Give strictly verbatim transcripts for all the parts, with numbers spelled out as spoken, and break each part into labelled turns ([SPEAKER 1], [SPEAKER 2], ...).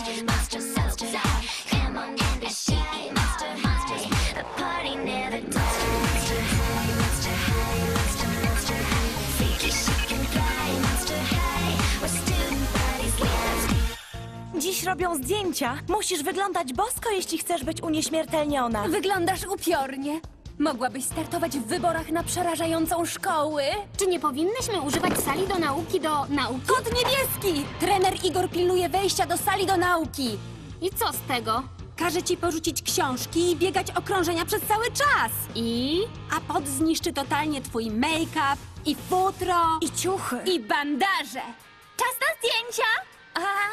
[SPEAKER 1] monster, monster, monster high. Come on and be shy, monster, monster. The party never dies. Monster high, monster high, monster, monster high. Freaky, chic and fly, monster high. We're student bodies, let's
[SPEAKER 2] Dziś robią zdjęcia. Musisz wyglądać bosko, jeśli chcesz być unieśmiertelniona.
[SPEAKER 3] Wyglądasz upiornie. Mogłabyś startować w wyborach na przerażającą szkołę.
[SPEAKER 4] Czy nie powinnyśmy używać sali do nauki do nauki?
[SPEAKER 3] Kod niebieski! Trener Igor pilnuje wejścia do sali do nauki.
[SPEAKER 4] I co z tego?
[SPEAKER 3] Każe ci porzucić książki i biegać okrążenia przez cały czas.
[SPEAKER 4] I...
[SPEAKER 3] A pot zniszczy totalnie twój make-up i futro
[SPEAKER 2] I ciuchy.
[SPEAKER 3] i bandaże.
[SPEAKER 4] Czas na zdjęcia!
[SPEAKER 3] A?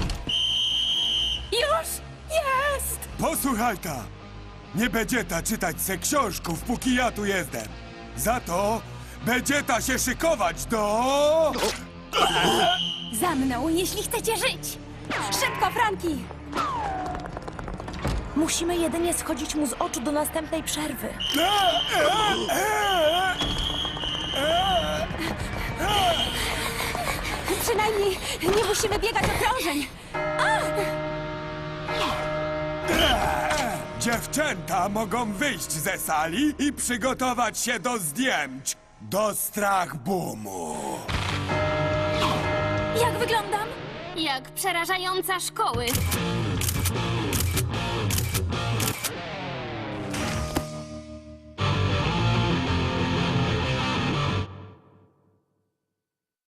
[SPEAKER 3] Już jest!
[SPEAKER 5] Posłuchaj ta! Nie będzie ta czytać se książków, póki ja tu jestem. Za to będzie ta się szykować do...
[SPEAKER 3] Za mną, jeśli chcecie żyć. Szybko, Franki!
[SPEAKER 2] Musimy jedynie schodzić mu z oczu do następnej przerwy.
[SPEAKER 3] Przynajmniej nie musimy biegać okrążeń.
[SPEAKER 5] Dziewczęta mogą wyjść ze sali i przygotować się do zdjęć. Do strach boomu.
[SPEAKER 3] Jak wyglądam?
[SPEAKER 4] Jak przerażająca szkoły.